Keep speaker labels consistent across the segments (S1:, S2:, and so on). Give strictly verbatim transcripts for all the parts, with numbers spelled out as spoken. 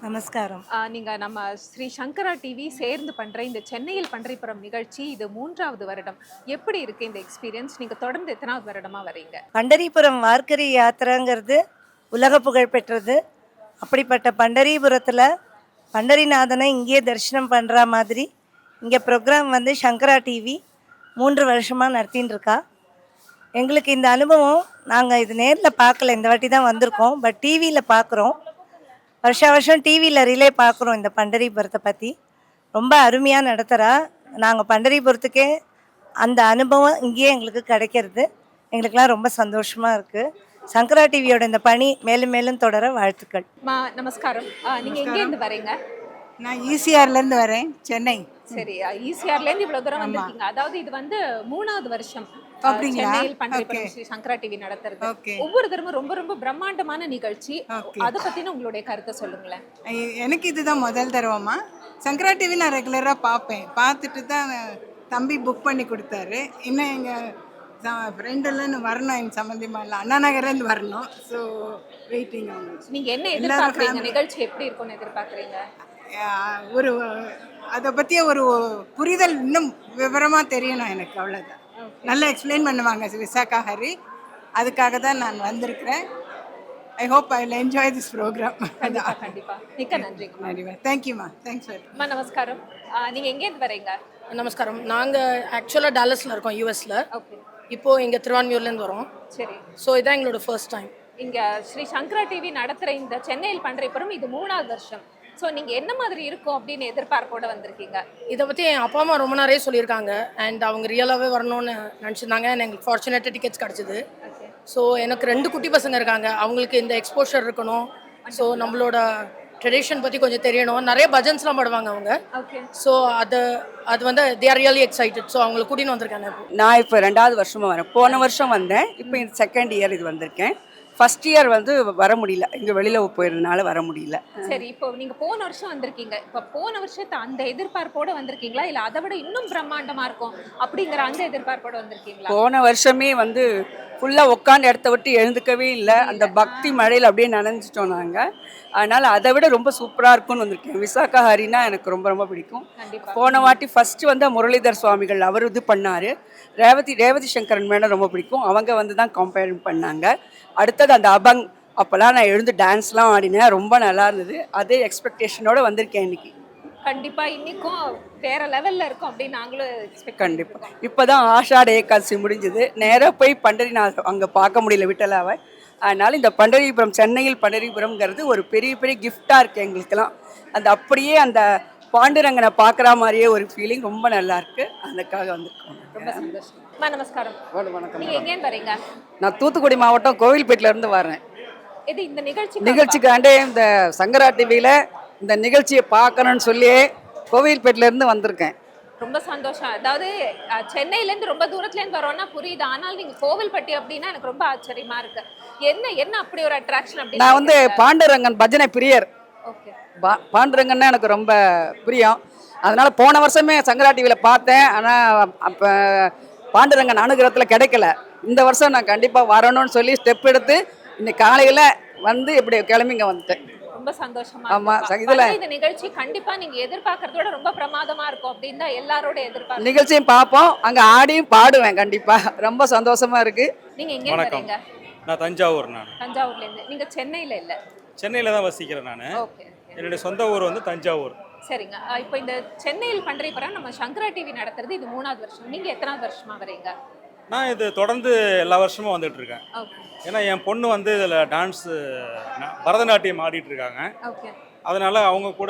S1: நமஸ்காரம்.
S2: ஆ, நீங்க நம்ம ஸ்ரீ சங்கரா டிவி சேர்ந்து பண்ற இந்த சென்னையில் பன்றிப்புறம் நிகழ்ச்சி இது மூன்றாவது வருடம். எப்படி இருக்கு இந்த எக்ஸ்பீரியன்ஸ்? நீங்க தொடர்ந்து எத்தனாவது வருடமா வரீங்க?
S1: பண்டரிபுரம் வார்க்கரி யாத்திரைங்கிறது உலக புகழ் பெற்றது. அப்படிப்பட்ட பண்டரிபுரத்தில் பண்டரிநாதனை இங்கேயே தரிசனம் பண்ணுற மாதிரி இங்கே ப்ரோக்ராம் வந்து சங்கரா டிவி மூன்று வருஷமாக நடத்தின்னு இருக்கா. எங்களுக்கு இந்த அனுபவம் நாங்கள் இது நேரில் பார்க்கல, இந்த வாட்டி தான் வந்திருக்கோம். பட் டிவியில் பார்க்குறோம், வருஷா வருஷம் டிவியில் ரிலே பார்க்குறோம். இந்த பண்டரிபுரத்தை பற்றி ரொம்ப அருமையாக நடத்துகிறா. நாங்கள் பண்டரிபுரத்துக்கே அந்த அனுபவம் இங்கேயே எங்களுக்கு கிடைக்கிறது. எங்களுக்கெல்லாம் ரொம்ப சந்தோஷமாக இருக்குது. சங்கரா டிவியோட இந்த பணி மேலும் மேலும் தொடர வாழ்த்துக்கள்.
S2: மா நமஸ்காரம். ஆ, நீங்க எங்கேருந்து வரீங்க?
S3: நான் ஈசிஆர்லேருந்து வரேன், சென்னை.
S2: சரி, ஈசிஆர்ல இருந்து இவ்வளவு தூரம் வந்திருக்கீங்க. அதாவது இது வந்து மூணாவது வருஷம் ஆ,
S3: அப்படிங்களா?
S2: சென்னையில் பன்றிப்புறம்
S3: Okay.
S2: ஸ்ரீ சங்கரா டிவி நடத்துறது.
S3: Okay.
S2: ஒவ்வொரு தரமும் ரொம்ப ரொம்ப பிரம்மாண்டமான நிகழ்ச்சி.
S3: Okay.
S2: அதை பத்தின உங்களுடைய கருத்தை சொல்லுங்களேன்.
S3: எ- எனக்கு இதுதான் முதல் தடவைமா. சங்கரா டிவி நான் ரெகுலராக பார்ப்பேன். பார்த்துட்டு தான் தம்பி புக் பண்ணி கொடுத்தாரு. இன்னும் எங்கள் ஃப்ரெண்டெல்லாம் வரணும், எங்கள் சம்மந்திமா இல்லை, அண்ணா நகர்லேருந்து வரணும். ஸோ வெயிட்டிங் அவங்க.
S2: நீங்க என்ன
S3: எல்லாரும்
S2: எதிர்பார்க்கறீங்க?
S3: family.
S2: நிகழ்ச்சி எப்படி இருக்கும்னு எதிர்பார்க்கறீங்க?
S3: அஹ், ஒரு அதை பற்றிய ஒரு புரிதல் இன்னும் விவரமாக தெரியணும் எனக்கு, அவ்வளோதான். நல்லா எக்ஸ்பிளைன் பண்ணுவாங்க விசாகா ஹரி. அதுக்காக தான் நான் வந்திருக்கிறேன். I hope I will enjoy this programme.
S2: கண்டிப்பா கண்டிப்பா. மிக்க நன்றிங்க.
S3: தேங்க்யூம்மா, தேங்க்ஸ் ஃபார்.
S2: அம்மா நமஸ்காரம். ஆ, நீங்க எங்கேருந்து வரீங்க?
S4: நமஸ்காரம். நாங்கள் ஆக்சுவலாக டாலஸில் இருக்கோம், யூஎஸில்.
S2: ஓகே,
S4: இப்போது இங்கே திருவான்மியூர்லேருந்து வரோம்.
S2: சரி.
S4: ஸோ இதான் எங்களோட ஃபர்ஸ்ட் டைம்.
S2: இங்க ஸ்ரீ சங்கரா டிவி நடத்துற இந்த சென்னையில் பன்றிப்புறம் இது மூணாவது வருஷம். ஸோ நீங்க என்ன மாதிரி இருக்கும் அப்படின்னு எதிர்பார்ப்போட வந்திருக்கீங்க?
S4: இதை பற்றி என் அப்பா அம்மா ரொம்ப நிறைய சொல்லியிருக்காங்க. அண்ட் அவங்க ரியலாகவே வரணும்னு நினச்சிருந்தாங்க. அண்ட் எங்களுக்கு ஃபார்ச்சுனேட்டாக டிக்கெட்ஸ் கிடச்சிது.
S2: ஓகே,
S4: ஸோ எனக்கு ரெண்டு குட்டி பசங்க இருக்காங்க. அவங்களுக்கு இந்த எக்ஸ்போஷர் இருக்கணும். ஸோ நம்மளோட ட்ரெடிஷன் பற்றி கொஞ்சம் தெரியணும். நிறைய பஜன்ஸ்லாம் பாடுவாங்க அவங்க.
S2: ஓகே.
S4: ஸோ அது அது வந்து they are really excited. So அவங்களை கூட்டின்னு வந்திருக்காங்க இப்போ.
S5: நான் இப்போ ரெண்டாவது வருஷமாக வரேன். போன வருஷம் வந்தேன், இப்போ இந்த செகண்ட் இயர் இது வந்திருக்கேன். ஃபர்ஸ்ட் இயர் வந்து வர முடியல, இங்கே வெளியில் போயிருந்தனால வர முடியல.
S2: சரி, இப்போ நீங்க போன வருஷம் வந்திருக்கீங்க. இப்போ போன வருஷத்தை அந்த எதிர்பார்ப்போட வந்திருக்கீங்களா, இல்ல அதை விட இன்னும் பிரம்மாண்டமா இருக்கும் அப்படிங்கிற அந்த எதிர்பார்ப்போட வந்திருக்கீங்களா?
S5: போன வருஷமே வந்து ஃபுல்லாக உட்காந்து இடத்த விட்டு எழுந்துக்கவே இல்லை. அந்த பக்தி மழையில் அப்படியே நனைஞ்சிட்டோம் நாங்கள். அதனால் அதை விட ரொம்ப சூப்பராக இருக்கும்னு வந்திருக்கேன். விசாகா ஹரினா எனக்கு ரொம்ப ரொம்ப பிடிக்கும்.
S2: கண்டிப்பா.
S5: போன வாட்டி ஃபஸ்ட்டு வந்து முரளிதர் சுவாமிகள் அவர் இது பண்ணார். ரேவதி ரேவதி சங்கரன் மேடம் ரொம்ப பிடிக்கும். அவங்க வந்து தான் கம்பேர் பண்ணாங்க. அடுத்தது அந்த அபங், அப்போல்லாம் நான் எழுந்து டான்ஸ்லாம் ஆடினேன், ரொம்ப நல்லா இருந்தது. அதே எக்ஸ்பெக்டேஷனோட வந்திருக்கேன் இன்னைக்கு.
S2: கண்டிப்பா இன்னைக்கும் வேற லெவல்ல இருக்கும் அப்படின்னு நாங்களும் எக்ஸ்பெக்ட்
S5: கண்டிப்பாக. இப்போ தான் ஆஷாட ஏகாதசி முடிஞ்சது. நேராக போய் பண்டரிநாத் அங்கே பார்க்க முடியல, விட்டலாவை. அதனால் இந்த பண்டரிபுரம், சென்னையில் பண்டரிபுரம்ங்கிறது ஒரு பெரிய பெரிய கிஃப்டாக இருக்குது எங்களுக்கெல்லாம். அந்த அப்படியே அந்த பாண்டுரங்கனை பார்க்குற மாதிரியே ஒரு ஃபீலிங் ரொம்ப நல்லா இருக்குது. அதுக்காக வந்திருக்கோம்.
S2: ரொம்ப சந்தோஷம். அம்மா நமஸ்காரம்.
S6: வணக்கம்.
S2: நீங்க எங்கேருந்து வரீங்க?
S6: நான் தூத்துக்குடி மாவட்டம் கோவில்பேட்டில இருந்து வரேன்.
S2: இது இந்த நிகழ்ச்சி
S6: நிகழ்ச்சிக்காண்டே இந்த சங்கரா டிவியில் இந்த நிகழ்ச்சியை பார்க்கணும்னு சொல்லி கோவில்பேட்டில இருந்து வந்திருக்கேன்.
S2: ரொம்ப சந்தோஷம். அதாவது அஹ், சென்னையில இருந்து ரொம்ப தூரத்துல இருந்து வரோம்னா புரியுது. ஆனால் நீங்க கோவில்பட்டி அப்படின்னா எனக்கு ரொம்ப ஆச்சரியமா இருக்கு. என்ன என்ன அப்படி ஒரு அட்ராக்ஷன் அப்படி?
S6: நான் வந்து பாண்டுரங்கன் பஜனை பிரியர்.
S2: ஓகே,
S6: பா பாண்டுரங்கன்னா எனக்கு ரொம்ப பிரியம். அதனால போன வருஷமே சங்கரா டிவியில் பார்த்தேன். ஆனால் அப்போ பாண்டுரங்கன் அனுகிரகத்தில் கிடைக்கல. இந்த வருஷம் நான் கண்டிப்பாக வரணும்னு சொல்லி ஸ்டெப் எடுத்து இன்னைக்கு காலையில் வந்து இப்படி கிளம்பி இங்கே வந்துட்டேன்.
S2: ரொம்ப சந்தோஷமா
S6: ஆமா,
S2: இருக்கு.
S6: இதுல-
S2: பரவாயில்ல, இந்த நிகழ்ச்சி கண்டிப்பா நீங்க எதிர்பார்க்கறதோட ரொம்ப பிரமாதமா இருக்கும் அப்படின்னு தான் எல்லாரோட எதிர்பார்ப்பு.
S6: நிகழ்ச்சியும் பார்ப்போம், அங்கே ஆடியும் பாடுவேன். கண்டிப்பாக ரொம்ப சந்தோஷமா இருக்கு.
S2: நீங்க எங்க
S7: வணக்கம்.
S2: வரீங்க?
S7: நான் தஞ்சாவூர். நான்
S2: தஞ்சாவூர்ல இருந்து. நீங்க சென்னையில இல்ல?
S7: சென்னையில் தான் வசிக்கிறேன். நான்
S2: ஓகே,
S7: என்னுடைய சொந்த ஊர் வந்து தஞ்சாவூர்.
S2: சரிங்க. அஹ், இப்போ இந்த சென்னையில் பன்றிப்புறம் நம்ம சங்கரா டிவி நடத்துறது இது மூணாவது வருஷம். நீங்க எத்தனாவது வருஷமா வரீங்க?
S7: நான் இது தொடர்ந்து எல்லா வருஷமும் வந்துட்டு இருக்கேன்.
S2: ஓகே,
S7: ஏன்னா என் பொண்ணு வந்து இதில் டான்ஸு பரதநாட்டியம் ஆடிட்டு இருக்காங்க.
S2: ஓகே.
S7: அதனால அவங்க கூட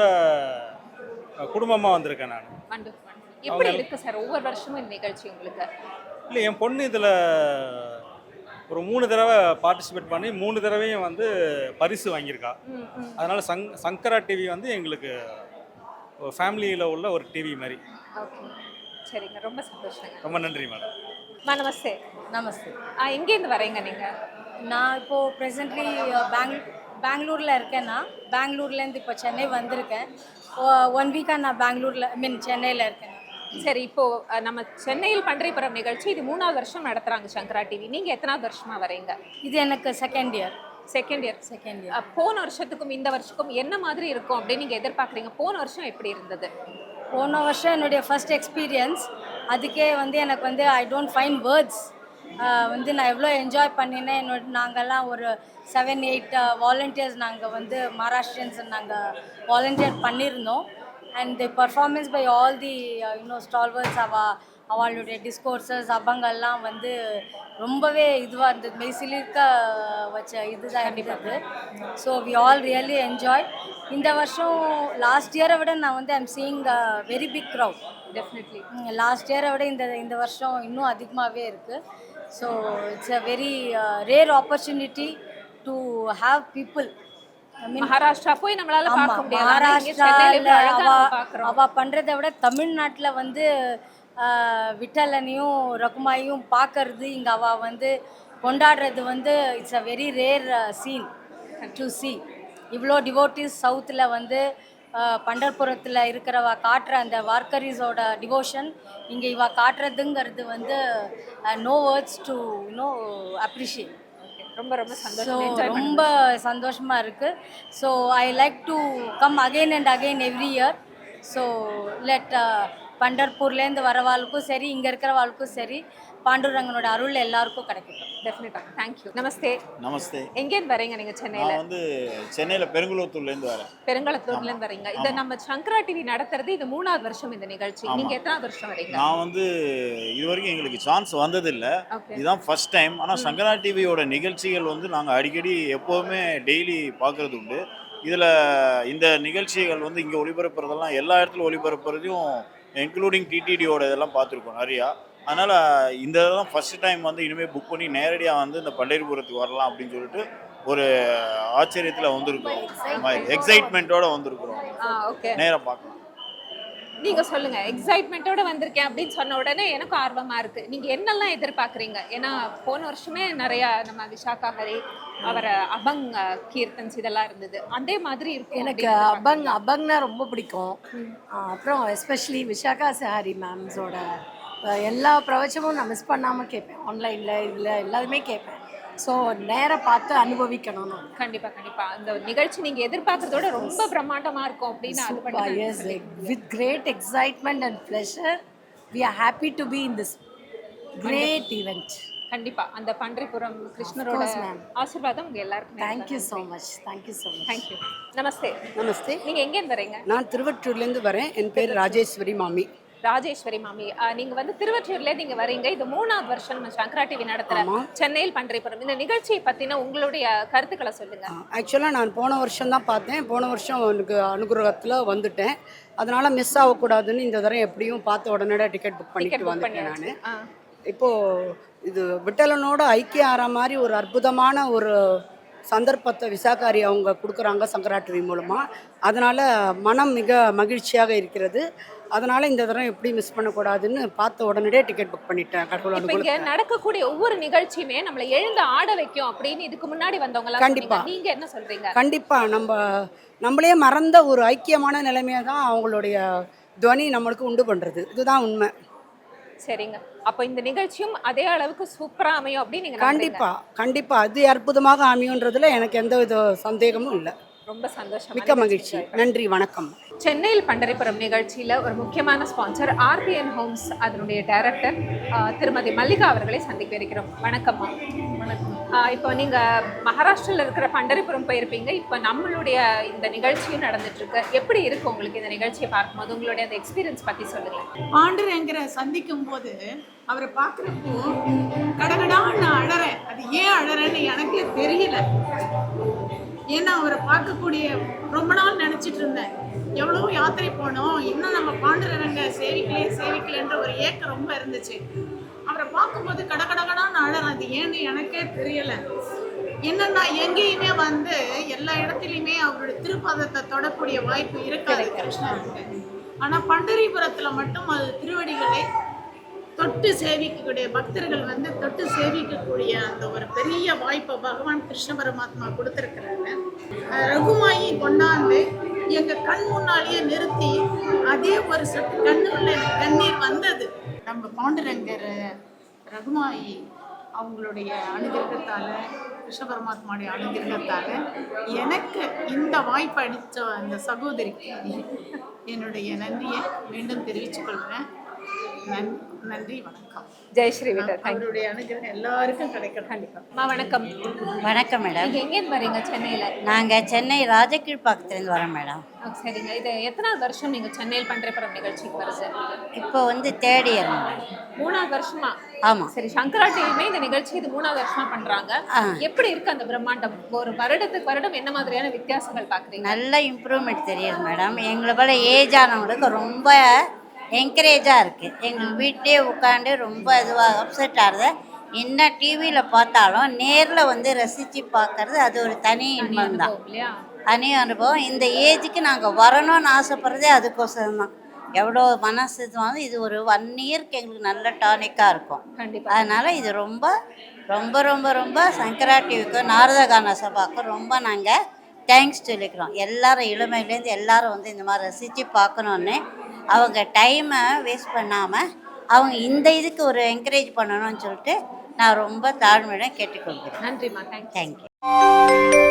S7: குடும்பமாக வந்திருக்கேன் நான்.
S2: வண்டர்ஃபுல். எப்படி இருக்கு சார் ஒவ்வொரு வருஷமும் இந்த நிகழ்ச்சி உங்களுக்கு?
S7: இல்லை, என் பொண்ணு இதில் ஒரு மூணு தடவை பார்ட்டிசிபேட் பண்ணி மூணு தடவையும் வந்து பரிசு வாங்கியிருக்கா.
S2: ம், ம்.
S7: அதனால சங் சங்கரா டிவி வந்து எங்களுக்கு ஃபேமிலியில் உள்ள ஒரு டிவி மாதிரி.
S2: ஓகே, சரிங்க. ரொம்ப சந்தோஷங்க.
S7: ரொம்ப நன்றி மேடம்.
S2: அம்மா நமஸ்தே.
S4: நமஸ்தே.
S2: ஆ, எங்கேருந்து வரீங்க நீங்க?
S8: நான் இப்போது ப்ரெசென்ட்லி பேங் பெங்களூரில் இருக்கேன்னா பெங்களூர்லேருந்து இப்போ சென்னை வந்திருக்கேன். ஒன் வீக்காக நான் பெங்களூரில் ஐ மீன் சென்னையில் இருக்கேன்.
S2: சரி, இப்போ அஹ், நம்ம சென்னையில் பன்றிப்புறம் நிகழ்ச்சி இது மூணாவது வருஷம் நடத்துறாங்க சங்கரா டிவி. நீங்க எத்தனாவது வருஷமா வரீங்க?
S8: இது எனக்கு second year.
S2: Second year
S8: second year.
S2: போன வருஷத்துக்கும் இந்த வருஷத்துக்கும் என்ன மாதிரி இருக்கும் அப்படின்னு நீங்க எதிர்பார்க்குறீங்க? போன வருஷம் எப்படி இருந்தது?
S8: போன வருஷம் என்னுடைய ஃபர்ஸ்ட் எக்ஸ்பீரியன்ஸ். அதுக்கே வந்து எனக்கு வந்து ஐ டோன்ட் ஃபைண்ட் வேர்ட்ஸ். வந்து நான் எவ்வளோ என்ஜாய் பண்ணினேன். என்னோட நாங்கள்லாம் ஒரு செவன் எயிட் வாலண்டியர்ஸ் நாங்கள் வந்து மகாராஷ்டிரியன்ஸ் நாங்கள் வாலண்டியர் பண்ணியிருந்தோம். And the performance by all the you know stalwarts அவ அவளுடைய டிஸ்கோர்ஸஸ் அபங்கள்லாம் வந்து ரொம்பவே இதுவாக இருந்தது. மெய்சிலிருக்க வச்ச இதுதான் இருந்தது. So we all really enjoy. இந்த வருஷம் லாஸ்ட் இயரை விட நான் வந்து I'm seeing very big crowd.
S2: Definitely
S8: last இயரை விட இந்த இந்த வருஷம் இன்னும் அதிகமாகவே இருக்குது. So it's a very rare opportunity to have people.
S2: Maharashtra போய் நம்மளால பார்க்க முடியாது.
S8: மகாராஷ்டிராவில் அவ
S2: பார்க்குறோம்.
S8: அவ பண்ணுறதை விட தமிழ்நாட்டில் வந்து விட்டலனையும் ரகுமாயும் பார்க்கறது, இங்கே அவள் வந்து கொண்டாடுறது வந்து it's a very rare scene to see. இவ்வளோ டிவோட்டிஸ் சவுத்தில் வந்து பண்டர்புரத்தில் இருக்கிறவ காட்டுற அந்த வார்க்கரிஸோட டிவோஷன் இங்கே இவ காட்டுறதுங்கிறது வந்து no words to no appreciate.
S2: ரொம்ப ரொம்ப
S8: ஸோ
S2: சந்தோஷம்.
S8: ரொம்ப சந்தோஷமாக இருக்குது. So I like to come again and again every year. So let பண்டர்பூர்லேருந்து வரவாளுக்கும் சரி, இங்கே இருக்கிறவாளுக்கும் சரி, பாண்டுரங்கனோட அருள் எல்லாருக்கும் கிடைக்கட்டும்.
S2: டெஃபினட்டாக. தேங்க்யூ. நமஸ்தே.
S9: நமஸ்தே.
S2: எங்கேருந்து வரீங்க நீங்கள்? சென்னையில்.
S9: நான் வந்து சென்னையில் பெருங்குளத்தூர்லேருந்து வரேன்.
S2: பெருங்குளத்தூர்லேருந்து வரீங்க. இதை நம்ம சங்கரா டிவி நடத்துறது இது மூணாவது வருஷம் இந்த நிகழ்ச்சி. நீங்கள் எத்தனாவது வருஷம் வரீங்க?
S9: நான் வந்து இது வரைக்கும் எங்களுக்கு சான்ஸ் வந்ததில்லை. இதுதான் ஃபர்ஸ்ட் டைம். ஆனால் சங்கரா டிவியோட நிகழ்ச்சிகள் வந்து நாங்கள் அடிக்கடி எப்போவுமே டெய்லி பார்க்குறது உண்டு. இதில் இந்த நிகழ்ச்சிகள் வந்து இங்கே ஒளிபரப்புறதெல்லாம் எல்லா இடத்துலையும் ஒளிபரப்புறதையும் இன்க்ளூடிங் டிடிடியோட இதெல்லாம் பார்த்துருக்கோம் நிறையா. அதனால் இந்த இதெல்லாம் ஃபஸ்ட்டு டைம் வந்து இனிமேல் புக் பண்ணி நேரடியாக வந்து இந்த பண்டரிபுரத்துக்கு வரலாம் அப்படின்னு சொல்லிட்டு ஒரு ஆச்சரியத்தில் வந்திருக்கிறோம். எக்ஸைட்மெண்ட்டோடு வந்திருக்கிறோம்.
S2: ஓகே,
S9: நேராக பார்க்கலாம்.
S2: நீங்கள் சொல்லுங்கள். எக்ஸைட்மெண்ட்டோட வந்திருக்கேன் அப்படின்னு சொன்ன உடனே எனக்கும் ஆர்வமாக இருக்குது. நீங்கள் என்னெல்லாம் எதிர்பார்க்குறீங்க? ஏன்னா போன வருஷமே நிறையா நம்ம விஷாகா ஹரி அவரை அபங் கீர்த்தன்ஸ் இதெல்லாம் இருந்தது. அதே மாதிரி இருக்கும்.
S10: எனக்கு அபங் அபங்னா ரொம்ப பிடிக்கும். அப்புறம் எஸ்பெஷலி விஷாகா சஹாரி மேம்ஸோட எல்லா பிரவச்சமும் நான் மிஸ் பண்ணாமல் கேட்பேன். ஆன்லைனில் இதில் எல்லாருமே கேட்பேன். ஸோ நேராக பார்த்து அனுபவிக்கணும்னு.
S2: கண்டிப்பாக கண்டிப்பாக அந்த நிகழ்ச்சி நீங்கள் எதிர்பார்க்குறதோட ரொம்ப பிரம்மாண்டமாக இருக்கும் அப்படின்னு அது பண்ணி
S10: yes with great excitement and pleasure we are happy to be in this great event.
S2: கண்டிப்பாக அந்த பண்டரிபுரம் கிருஷ்ணரோட ஆசீர்வாதம் உங்கள் எல்லாருக்கும்.
S10: Thank you so much. Thank you so much.
S2: Thank you. நமஸ்தே.
S5: நமஸ்தே.
S2: நீங்கள் எங்கேருந்து வரீங்க?
S5: நான் திருவற்றூர்லேருந்து வரேன். என் பேர் ராஜேஸ்வரி மாமி.
S2: ராஜேஸ்வரி மாமி, நீங்க வந்து திருவற்றியூர்ல நீங்க வரீங்க. இது மூணாவது வருஷம் நம்ம சங்கரா டிவி நடத்துற சென்னையில் பண்டரிபுரம் இந்த நிகழ்ச்சியை பத்தின உங்களுடைய கருத்துக்களை சொல்லுங்க.
S5: ஆக்சுவலாக நான் போன வருஷம் தான் பார்த்தேன். போன வருஷம் எனக்கு அனுகிரகத்தில் வந்துட்டேன். அதனால மிஸ் ஆகக்கூடாதுன்னு இந்த தடவை எப்படியும் பார்த்து உடனடியாக டிக்கெட் புக் பண்ணிட்டு வந்துட்டேன் நான். இப்போது இது விட்டலனோட ஐக்கியம் ஆகிற மாதிரி ஒரு அற்புதமான ஒரு சந்தர்ப்பத்தை விசாகாரி அவங்க கொடுக்குறாங்க சங்கரா டிவி மூலமாக. அதனால் மனம் மிக மகிழ்ச்சியாக இருக்கிறது. அதனால் இந்த தடவை எப்படி மிஸ் பண்ணக்கூடாதுன்னு பார்த்த உடனே டிக்கெட் புக் பண்ணிட்டேன். கடவுள் அனுகூலம்.
S2: நடக்கக்கூடிய ஒவ்வொரு நிகழ்ச்சியுமே நம்மளை எழுந்து ஆட வைக்கும் அப்படின்னு இதுக்கு முன்னாடி வந்தவங்க
S5: கண்டிப்பாக
S2: நீங்க என்ன சொல்றீங்க?
S5: கண்டிப்பாக நம்ம நம்மளே மறந்த ஒரு ஐக்கியமான நிலைமையை தான் அவங்களுடைய துவனி நம்மளுக்கு உண்டு பண்ணுறது. இதுதான் உண்மை.
S2: சரிங்க. அப்போ இந்த நிகழ்ச்சியும் அதே அளவுக்கு சூப்பரா அமையும் அப்படின்னு நீங்க
S5: கண்டிப்பா கண்டிப்பா அது அற்புதமாக அமையுன்றதுல எனக்கு எந்த வித சந்தேகமும் இல்லை.
S2: ரொம்ப சந்தோஷம்.
S5: மிக்க மகிழ்ச்சி. நன்றி, வணக்கம்.
S2: சென்னையில் பண்டரிபுரம் நிகழ்ச்சியில் ஒரு முக்கியமான ஸ்பான்சர் ஆர்பிஎன் ஹோம்ஸ் அதனுடைய டைரக்டர் திருமதி மல்லிகா அவர்களை சந்திக்க இருக்கிறோம். வணக்கம்மா. வணக்கம். இப்போ நீங்கள் மகாராஷ்டிராவில் இருக்கிற பண்டரிபுரம் போயிருப்பீங்க. இப்போ நம்மளுடைய இந்த நிகழ்ச்சியும் நடந்துட்டு இருக்கு. எப்படி இருக்கு உங்களுக்கு இந்த நிகழ்ச்சியை பார்க்கும்போது? உங்களுடைய அந்த எக்ஸ்பீரியன்ஸ் பற்றி சொல்லுங்கள்.
S3: பாண்டுரங்கரை சந்திக்கும் போது அவரை பார்க்குறப்போ கடகடான்னு நான் அழறேன். அது ஏன் அழறேன்னு எனக்கே தெரியல. ஏன்னா அவரை பார்க்கக்கூடிய ரொம்ப நாள் நினச்சிட்டு இருந்தேன். எவ்வளோ யாத்திரை போனோம், இன்னும் நம்ம பாண்டுரங்க சேவிக்கலே சேவிக்கலன்ற ஒரு ஏக்கம் ரொம்ப இருந்துச்சு. அவரை பார்க்கும்போது கடகடகடான்னு அழறேன். அது ஏன்னு எனக்கே தெரியலை. என்னன்னா எங்கேயுமே வந்து எல்லா இடத்துலையுமே அவருடைய திருப்பாதத்தை தொடக்கூடிய வாய்ப்பு இருக்காது கிருஷ்ணருக்கு. ஆனால் பண்டரிபுரத்தில் மட்டும் அது திருவடிகளை தொட்டு சேவிக்கக்கூடிய பக்தர்கள் வந்து தொட்டு சேவிக்கக்கூடிய அந்த ஒரு பெரிய வாய்ப்பை பகவான் கிருஷ்ண பரமாத்மா கொடுத்துருக்கிறாங்க. ரகுமாயி கொண்டாந்து எங்கள் கண் முன்னாலேயே நிறுத்தி அதே ஒரு சொட்டு கண்ணுள்ள எனக்கு கண்ணீர் வந்தது. நம்ம பாண்டுரங்கர் ரகுமாயி
S11: அவங்களுடைய அனுகிரகத்தால் கிருஷ்ண பரமாத்மாவுடைய அனுகிரகத்தால் எனக்கு இந்த வாய்ப்பு அளித்த அந்த சகோதரிக்கு என்னுடைய நன்றியை மீண்டும் தெரிவித்துக் கொள்கிறேன். நன் நன்றி, வணக்கம்.
S2: ஜெய் ஸ்ரீ விட்டல்.
S11: அவருடைய அனுகிரகம் எல்லாருக்கும் கிடைக்கணும்.
S2: கண்டிப்பா. அம்மா வணக்கம்.
S8: வணக்கம் மேடம்.
S2: நீங்க எங்கேருந்து வரீங்க? சென்னையில.
S8: நாங்கள் சென்னை ராஜகீழ்பாக்கத்துலேருந்து வரோம் மேடம்.
S2: ஆ, சரிங்க. இது எத்தனாவது வருஷம் நீங்க சென்னையில் பண்டரிபுரம் நிகழ்ச்சிக்கு வருது?
S8: இப்போ வந்து தேர்ட் இயர் மேடம்.
S2: மூணாவது வருஷமா?
S8: ஆமாம்.
S2: சரி, சங்கரா டிவியுமே இந்த நிகழ்ச்சி இது மூணாவது வருஷமா பண்றாங்க. எப்படி இருக்கு அந்த பிரம்மாண்டம்? ஒரு வருடத்துக்கு வருடம் என்ன மாதிரியான வித்தியாசங்கள் பாக்குறீங்க?
S8: நல்ல இம்ப்ரூவ்மெண்ட் தெரியுது மேடம். எங்களை போல ஏஜ் ஆனவங்களுக்கு ரொம்ப என்கரேஜாக இருக்குது. எங்களுக்கு வீட்டிலே உட்காந்து ரொம்ப இதுவாக அப்செட் ஆகுது. என்ன டிவியில் பார்த்தாலும் நேரில் வந்து ரசித்து பார்க்கறது அது ஒரு தனி இன்பம் தான்,
S2: இல்லையா?
S8: தனி அனுபவம். இந்த ஏஜுக்கு நாங்கள் வரணும்னு ஆசைப்படுறதே அதுக்கோசரம் தான். எவ்வளோ மனசு இதுவாங்க, இது ஒரு ஒன் இயருக்கு எங்களுக்கு நல்ல டானிக்காக இருக்கும்.
S2: கண்டிப்பா.
S8: அதனால் இது ரொம்ப ரொம்ப ரொம்ப ரொம்ப சங்கரா டிவிக்கும் நாரத கான சபாவுக்கும் ரொம்ப நாங்கள் தேங்க்ஸ் சொல்லிக்கிறோம். எல்லாரும் இளமையிலேருந்து எல்லாரும் வந்து இந்த மாதிரி ரசித்து பார்க்கணுன்னு அவங்க டைமை வேஸ்ட் பண்ணாமல் அவங்க இந்த இதுக்கு ஒரு என்கரேஜ் பண்ணணும்னு சொல்லிட்டு நான் ரொம்ப தாழ்மையுடன் கேட்டுக்கொள்கிறேன்.
S2: நன்றிம்மா. தேங்க்ஸ்.
S8: தேங்க்யூ.